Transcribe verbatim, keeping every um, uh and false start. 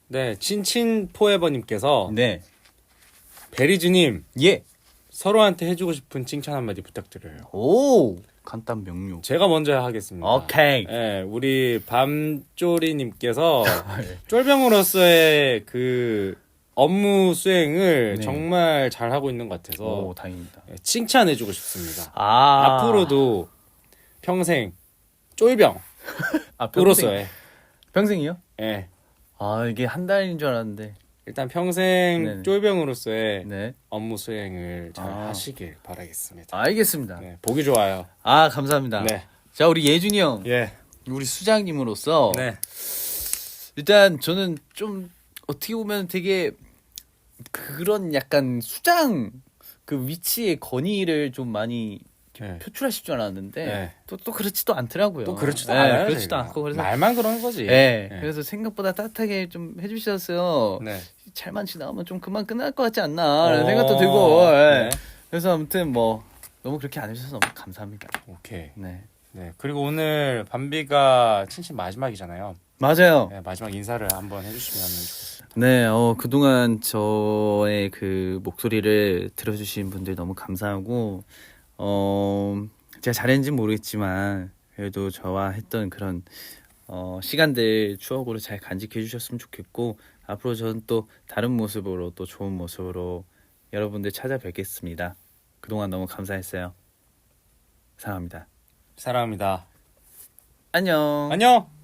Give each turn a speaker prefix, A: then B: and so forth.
A: 네, 친친 포에버님께서
B: 네.
A: 베리즈님
B: 예.
A: 서로한테 해주고 싶은 칭찬 한마디 부탁드려요.
B: 오. 간단 명료.
A: 제가 먼저 하겠습니다.
B: 오케이.
A: 네, 우리 밤쪼리님께서 쫄병으로서의 그 업무 수행을
B: 네.
A: 정말 잘 하고 있는 것 같아서
B: 오, 다행입니다.
A: 네, 칭찬해주고 싶습니다.
B: 아.
A: 앞으로도 평생 쫄병으로서의
B: 아, 평생, 평생이요?
A: 예.
B: 아, 이게 한 달인 줄 알았는데.
A: 일단 평생
B: 네네.
A: 쫄병으로서의
B: 네.
A: 업무 수행을 잘
B: 아.
A: 하시길 바라겠습니다.
B: 알겠습니다.
A: 네, 보기 좋아요.
B: 아, 감사합니다.
A: 네.
B: 자, 우리 예준이 형.
A: 예.
B: 우리 수장님으로서
A: 네.
B: 일단 저는 좀 어떻게 보면 되게 그런 약간 수장 그 위치의 건의를 좀 많이
A: 네.
B: 표출하실 줄 알았는데
A: 네.
B: 또, 또 그렇지도 않더라고요.
A: 또 그렇지도
B: 네,
A: 않아요.
B: 그렇지도
A: 저희가.
B: 않고 그래서
A: 말만 그런 거지.
B: 네,
A: 네.
B: 그래서 생각보다 따뜻하게 좀 해주셨어요.
A: 네.
B: 잘만 지나가면 좀 그만 끝날 것 같지 않나라는
A: 어,
B: 생각도 들고. 네.
A: 네.
B: 그래서 아무튼 뭐 너무 그렇게 안 해주셔서 너무 감사합니다.
A: 오케이.
B: 네,
A: 네. 그리고 오늘 밤비가 친친 마지막이잖아요.
B: 맞아요.
A: 네, 마지막 인사를 한번 해주시면 좋겠습니다.
B: 네, 어, 그동안 저의 그 목소리를 들어주신 분들 너무 감사하고, 어, 제가 잘했는지 모르겠지만, 그래도 저와 했던 그런, 어, 시간들 추억으로 잘 간직해 주셨으면 좋겠고, 앞으로 저는 또 다른 모습으로, 또 좋은 모습으로 여러분들 찾아뵙겠습니다. 그동안 너무 감사했어요. 사랑합니다.
A: 사랑합니다.
B: 안녕.
A: 안녕!